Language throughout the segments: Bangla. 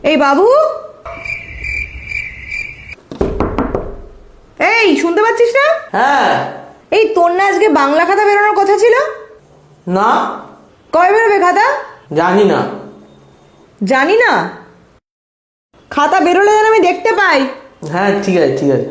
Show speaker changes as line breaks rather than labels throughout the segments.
এই বাবু, এই শুনতে পাচ্ছিস না?
হ্যাঁ।
এই তোর না আজকে বাংলা খাতা বেরোনোর কথা ছিল?
না।
কবে বেরোবে খাতা?
জানি না।
জানি না? খাতা বেরোলে যেন আমি দেখতে পাই।
হ্যাঁ ঠিক আছে ঠিক আছে।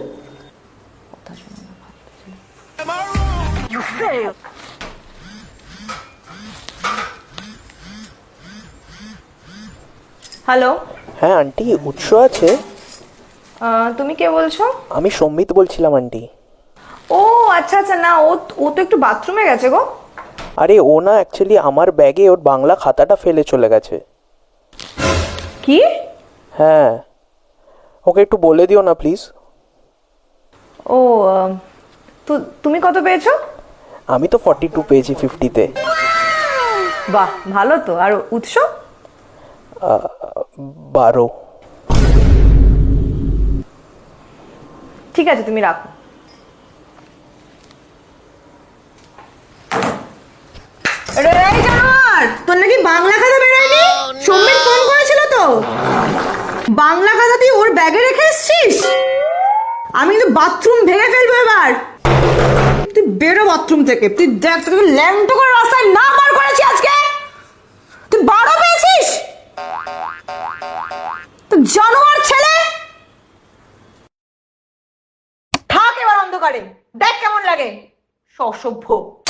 হ্যালো।
হ্যাঁ আন্টি, উৎস আছে?
তুমি কে বলছো?
আমি সম্মিত বলছিলাম আন্টি।
ও আচ্ছা আচ্ছা, না ও তো একটু বাথরুমে গেছে গো।
আরে ও না, অ্যাকচুয়ালি আমার ব্যাগে ওর বাংলা খাতাটা ফেলে চলে গেছে।
কি?
হ্যাঁ, ওকে একটু বলে দিও না প্লিজ।
ও তো তুমি কত পেয়েছো?
আমি তো 42 পেয়েছি 50-তে।
বাহ, ভালো তো। আর উৎস?
12।
ঠিক আছে, তুমি রাখো। এই জানোয়ার, তোর নাকি বাংলা খাতা বেরোয়নি? সম্মিত ফোন করেছিল তো। বাংলা খাতা তুই ওর ব্যাগে রেখে এসেছিস? আমি কিন্তু বাথরুম ভেঙে ফেলবো এবার। তুই বেরো বাথরুম থেকে। তুই দেখ, তোকে ল্যাংটো করে রাস্তায় না বার করেছি আজকে। তুই 12 পেয়েছিস? তুই জানোয়ার ছেলে। থাক এবার অন্ধকারে, দেখ কেমন লাগে। অসভ্য।